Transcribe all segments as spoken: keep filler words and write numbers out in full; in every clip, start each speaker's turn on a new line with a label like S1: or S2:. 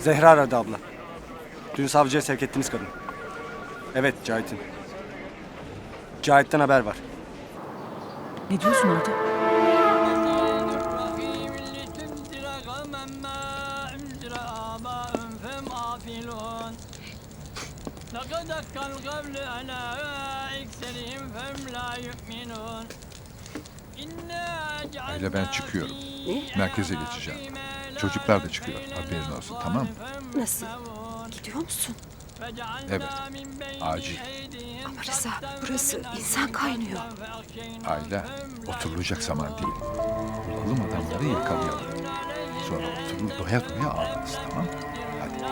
S1: Zehra aradı abla. Dün savcıya sevk ettiniz kadın. Evet, Cahit'in. Cahit'ten haber var.
S2: Ne diyorsun orada?
S3: Öyle ben çıkıyorum. Merkeze geçeceğim. Çocuklar da çıkıyor. Haberin olsun, tamam mı?
S4: Nasıl? Gidiyor musun?
S3: Evet. Acil.
S4: Ama Rıza, burası insan kaynıyor.
S3: Ayla, oturulacak zaman değil. Bulalım adamları, yakalayalım. Sonra oturur doya doya ağlarız, tamam mı? Hadi.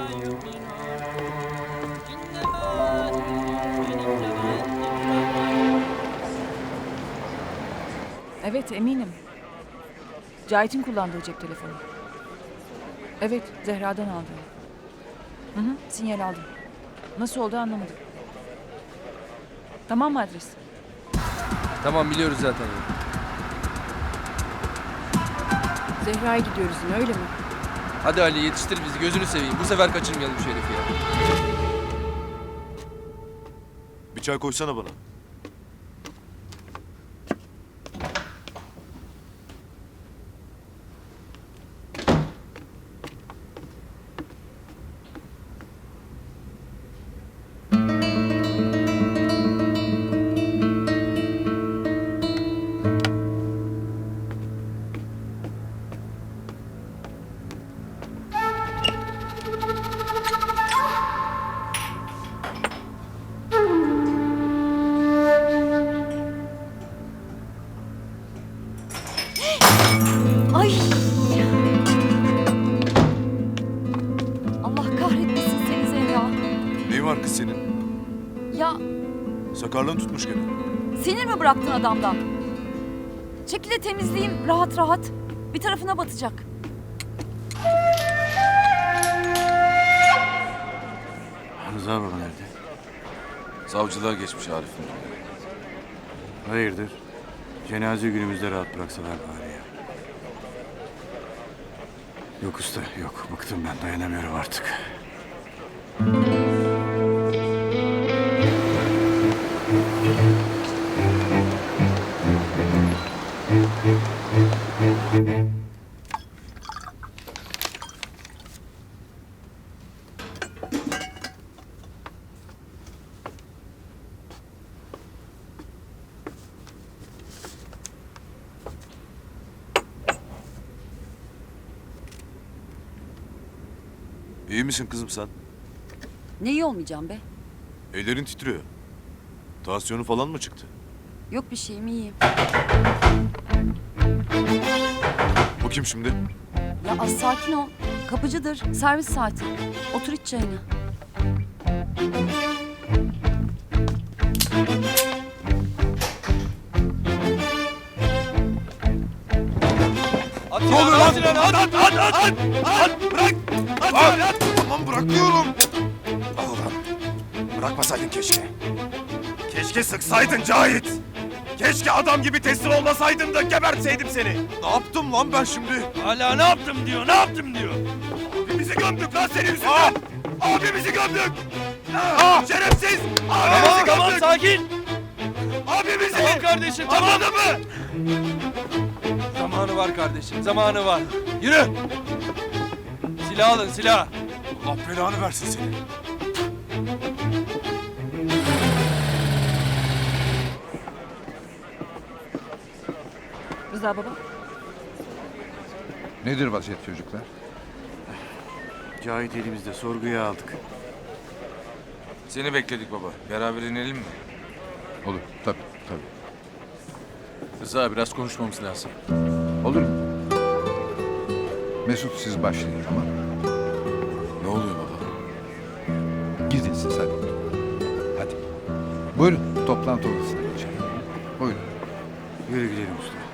S2: Evet, eminim. Cahit'in kullandığı cep telefonu. Evet, Zehra'dan aldım. Hı hı, sinyal aldım. Nasıl oldu anlamadım. Tamam mı adres?
S5: Tamam, biliyoruz zaten.
S2: Zehra'ya gidiyoruz yine, öyle mi?
S5: Hadi Ali, yetiştir bizi, gözünü seveyim. Bu sefer kaçırmayalım şu herifi ya.
S6: Bir çay koysana bana.
S4: Ay! Allah kahretmesin seni Zehra.
S6: Neyin var kız senin?
S4: Ya
S6: Sakarlığın tutmuş gene.
S4: sinir mi bıraktın adamdan? Çekil de temizleyeyim rahat rahat. Bir tarafına batacak.
S1: Rıza baba nerede?
S6: Savcılığa geçmiş Arif'in.
S1: Hayırdır? Cenaze günümüzde rahat bıraksalar bari ya. Yok usta, yok. Bıktım ben, dayanamıyorum artık.
S6: İyi misin kızım sen?
S4: Ne iyi olmayacağım be.
S6: Ellerin titriyor. Tansiyonu falan mı çıktı?
S4: Yok bir şeyim, iyiyim.
S6: Bu kim şimdi?
S4: Ya az sakin ol. Kapıcıdır. Servis saati. Otur iç çayını.
S5: At ne oluyor lan? At, at,
S6: At, at, at, at, at, bırak! At, at, at! Tamam bırakıyorum. Al ulan. Bırakmasaydın keşke. Keşke sıksaydın Cahit. Keşke adam gibi teslim olmasaydın da gebertseydim seni. Ne yaptım lan ben şimdi?
S5: Hala ne yaptım diyor, ne yaptım diyor.
S6: Abimizi gömdük lan senin yüzünden. Abimizi gömdük. Ah! Şerefsiz. Abimizi
S5: Tamam, tamam,
S6: gömdük.
S5: sakin.
S6: Abimizi.
S5: Tamam kardeşim, tamam.
S6: Anladın mı?
S5: Zamanı var kardeşim, zamanı var. Yürü. Silah alın, silah.
S6: Allah belanı versin seni.
S2: Rıza baba.
S3: Nedir vaziyet çocuklar?
S1: Cahit elimizde, sorguya aldık.
S7: Seni bekledik baba. Beraber inelim mi?
S3: Olur, tabii, tabii.
S7: Rıza biraz konuşmamız lazım.
S3: Olur mu? Mesut siz başlayın, tamam mı?
S7: Ne oluyor baba?
S3: Gidin siz hadi. Hadi. Buyurun, toplantı odasına geçelim. Buyurun.
S1: Yürü gidelim usta.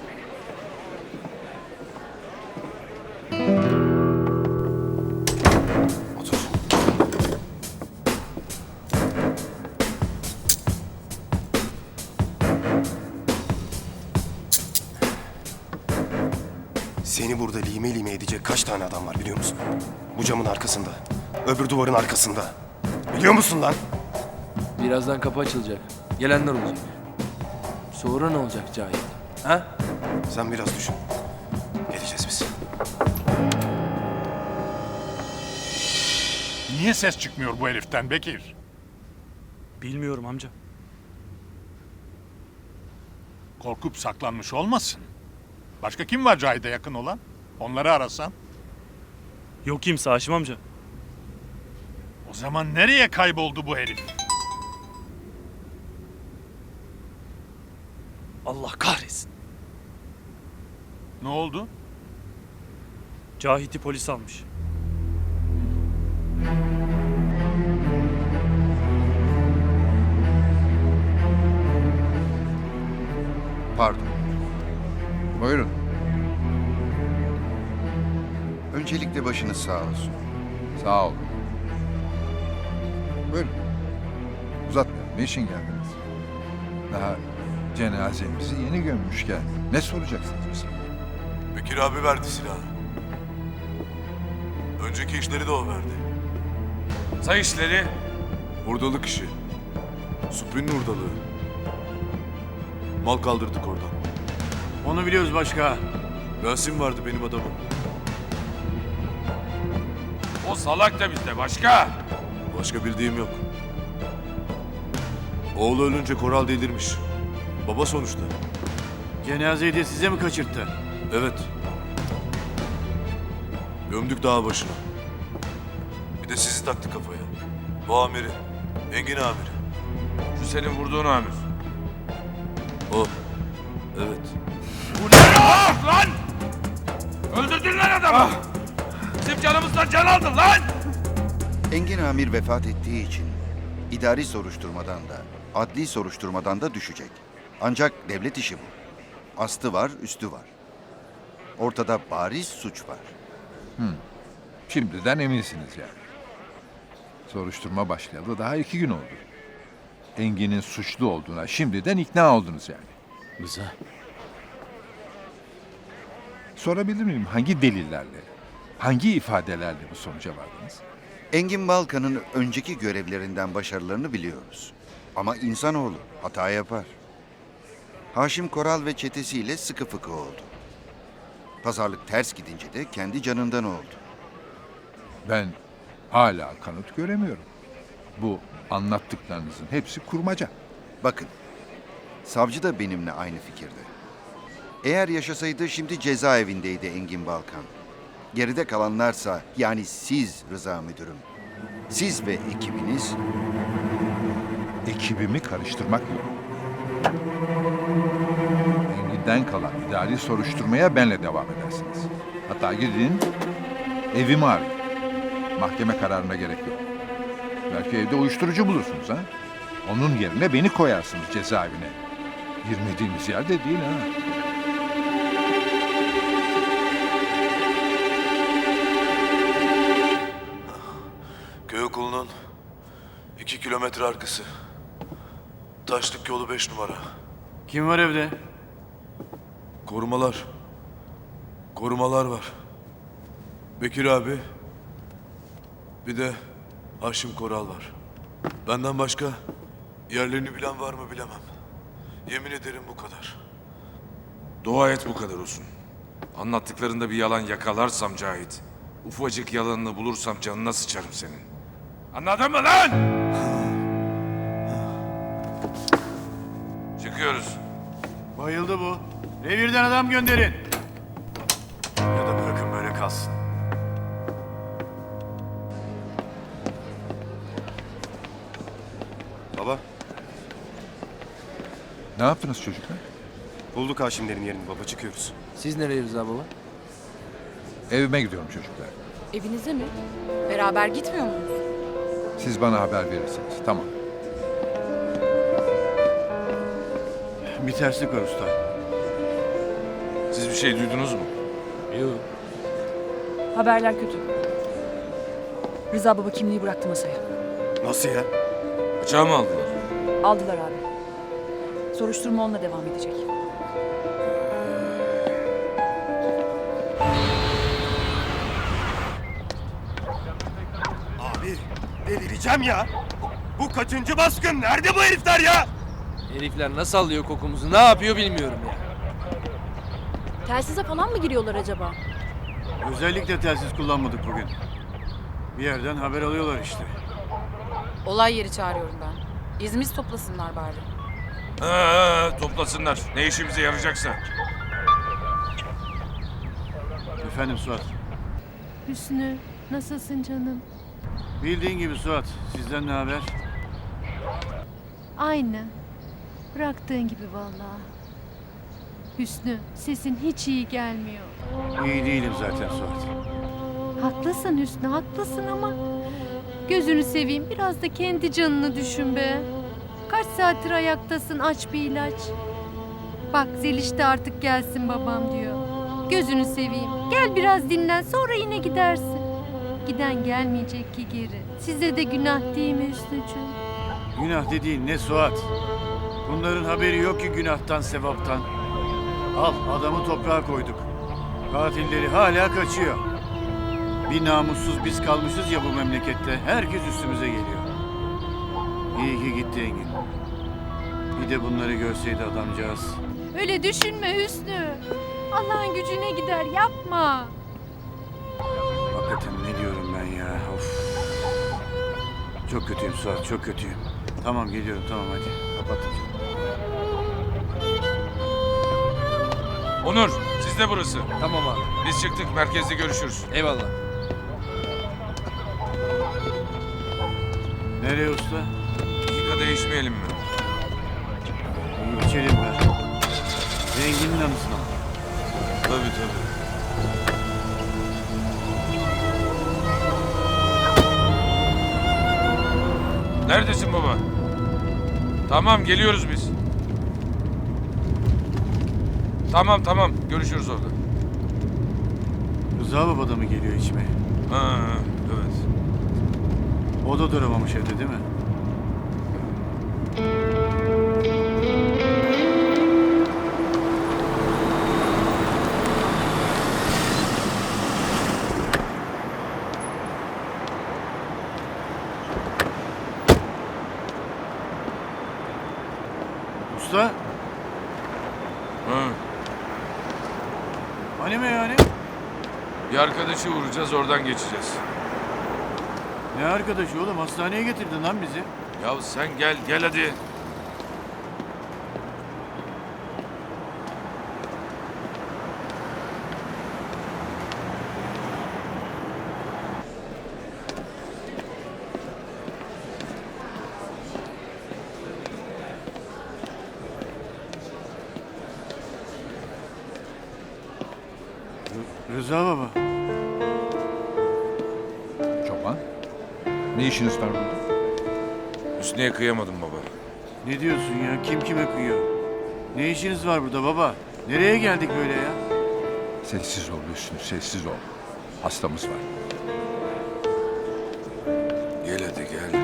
S6: Otur. Seni burada burada lime lime edecek kaç tane adam var biliyor musun? Bu camın arkasında. Öbür duvarın arkasında. Biliyor musun lan?
S5: Birazdan kapı açılacak. Gelenler olacak. Sonra ne olacak Cahit? Ha?
S6: Sen biraz düşün. Geleceğiz biz.
S8: Niye ses çıkmıyor bu heriften Bekir?
S9: Bilmiyorum amca.
S8: Korkup saklanmış olmasın? Başka kim var Cahit'e yakın olan? Onları arasan.
S9: Yok kimse Haşim amca.
S8: O zaman nereye kayboldu bu herif?
S9: Allah kahretsin.
S8: Ne oldu?
S9: Cahit'i polis almış.
S3: Pardon. Buyurun.
S10: Öncelikle başınız sağ olsun.
S3: Sağ olun. Buyurun. Uzatmayalım. Ne için geldiniz? Daha cenazemizi yeni gömmüşken ne soracaksınız bize?
S11: Bekir abi verdi silahı. Önceki işleri de o verdi.
S7: Say işleri.
S11: Hurdalık işi. Supri'nin hurdalığı. Mal kaldırdık oradan.
S9: Onu biliyoruz başka.
S11: Rasim vardı benim adamım.
S7: O salak da bizde başka.
S11: Başka bildiğim yok. Oğlu ölünce Koral delirmiş. Baba sonuçta.
S9: Cenazeyi de size mi kaçırttı?
S11: Evet. Gömdük dağ başına. Bir de sizi taktı kafaya. Bu amiri. Engin amiri.
S7: Şu senin vurduğun amir.
S11: O. Evet.
S7: Bu ne ya lan? Öldürdün lan adamı. Bizim canımızdan can aldın lan.
S10: Engin Amir vefat ettiği için idari soruşturmadan da, adli soruşturmadan da düşecek. Ancak devlet işi bu. Astı var, üstü var. Ortada bariz suç var.
S3: Şimdiden eminsiniz yani. Soruşturma başlayalı daha iki gün oldu. Engin'in suçlu olduğuna şimdiden ikna oldunuz yani.
S9: Rıza.
S3: Sorabilir miyim hangi delillerle, hangi ifadelerle bu sonuca vardınız?
S10: Engin Balkan'ın önceki görevlerinden başarılarını biliyoruz. Ama insanoğlu hata yapar. Haşim Koral ve çetesiyle sıkı fıkı oldu. Pazarlık ters gidince de kendi canından oldu.
S3: Ben hala kanıt göremiyorum. Bu anlattıklarınızın hepsi kurmaca.
S10: Bakın, savcı da benimle aynı fikirde. Eğer yaşasaydı şimdi cezaevindeydi Engin Balkan. Geride kalanlarsa yani siz Rıza Müdürüm, siz ve ekibiniz
S3: Ekibimi karıştırmak yok. Engin'den kalan idari soruşturmaya benle devam edersiniz. Hatta gidin evimi arayın. Mahkeme kararına gerek yok. Belki evde uyuşturucu bulursunuz ha. Onun yerine beni koyarsınız cezaevine. Girmediğimiz yerde değil ha.
S11: Köy okulunun iki kilometre arkası. Taşlık yolu beş numara.
S9: Kim var evde?
S11: Korumalar. Korumalar var. Bekir abi. Bir de Haşim Koral var. Benden başka yerlerini bilen var mı bilemem. Yemin ederim bu kadar.
S7: Dua et bu kadar olsun. Anlattıklarında bir yalan yakalarsam Cahit, ufacık yalanını bulursam canına sıçarım senin. Anladın mı lan? Çıkıyoruz.
S9: Bayıldı bu. Revirden adam gönderin.
S11: Ya da bırakın böyle kalsın.
S6: Baba,
S3: Ne yaptınız çocuklar?
S6: bulduk Haşimlerin yerini baba, çıkıyoruz.
S5: Siz nereye Rıza baba?
S3: Evime gidiyorum çocuklar.
S4: Evinize mi? Beraber gitmiyor muyuz?
S3: Siz bana haber verirsiniz. Tamam.
S9: Bir terslik var usta.
S7: Siz bir şey duydunuz mu?
S5: Yok.
S2: Haberler kötü. Rıza baba kimliği bıraktı masaya.
S6: Nasıl ya?
S7: Bıçağı mı aldılar?
S2: Aldılar abi. Soruşturma onunla devam edecek.
S6: Abi delireceğim ya. Bu kaçıncı baskın? Nerede bu herifler ya?
S5: Herifler nasıl alıyor kokumuzu, ne yapıyor bilmiyorum ya.
S4: Telsize falan mı giriyorlar acaba?
S9: Özellikle telsiz kullanmadık bugün. Bir yerden haber alıyorlar işte.
S12: Olay yeri çağırıyorum ben. İzimiz toplasınlar bari.
S7: Ha, toplasınlar. Ne işimize yarayacaksa.
S9: Efendim Suat.
S12: Hüsnü, nasılsın canım?
S9: Bildiğin gibi Suat. Sizden ne haber?
S12: Aynı. Bıraktığın gibi vallahi. Hüsnü, sesin hiç iyi gelmiyor.
S9: İyi değilim zaten Suat.
S12: Haklısın Hüsnü, haklısın ama... Gözünü seveyim, biraz da kendi canını düşün be. Kaç saattir ayaktasın, aç bir ilaç. Bak Zeliş de artık gelsin babam diyor. Gözünü seveyim, gel biraz dinlen, sonra yine gidersin. Giden gelmeyecek ki geri. Size de günah değil mi Hüsnücüğüm?
S9: Günah dediğin ne Suat? Bunların haberi yok ki günahtan, sevaptan. Al, adamı toprağa koyduk. Katilleri hala kaçıyor. Bir namussuz biz kalmışız ya bu memlekette. Herkes üstümüze geliyor. İyi ki gitti Engin. Bir de bunları görseydi adamcağız.
S12: Öyle düşünme Hüsnü. Allah'ın gücüne gider, yapma.
S9: Hakikaten ne diyorum ben ya? Of. Çok kötüyüm Suat, çok kötüyüm. Tamam geliyorum, tamam hadi. Kapattım.
S7: Onur, sizde burası.
S5: Tamam abi.
S7: Biz çıktık, merkezde görüşürüz.
S5: Eyvallah.
S9: Nereye usta?
S7: Dakika değişmeyelim mi?
S9: İyi içelim be. Zengin'in anısına mı?
S7: Tabii tabii. Neredesin baba? Tamam, geliyoruz biz. Tamam tamam, görüşürüz orada.
S9: Rıza baba da mı geliyor içmeye?
S7: Ha, evet.
S9: O da duramamış evde değil mi? Usta,
S7: Ha.
S9: hani meyhane?
S7: Bir arkadaşı vuracağız, oradan geçeceğiz.
S9: Ne arkadaşı oğlum? Hastaneye getirdin lan bizi.
S7: Ya sen gel, gel hadi.
S9: Rıza baba.
S3: Çoban. Ne işiniz var burada?
S7: Hüsnü'ye kıyamadım baba.
S9: Ne diyorsun ya? Kim kime kıyıyor? Ne işiniz var burada baba? Nereye geldik böyle ya?
S3: Sessiz ol Hüsnü, sessiz ol. Hastamız var.
S7: Gel hadi gel.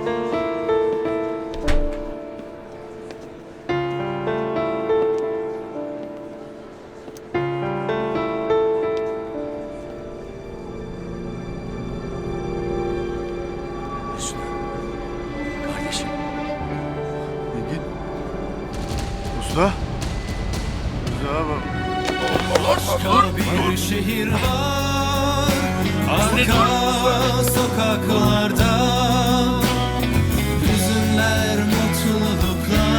S9: Hüsnü. Kardeşim. Engin. Usta. Rıza baba.
S13: Başka bir şehir var, arka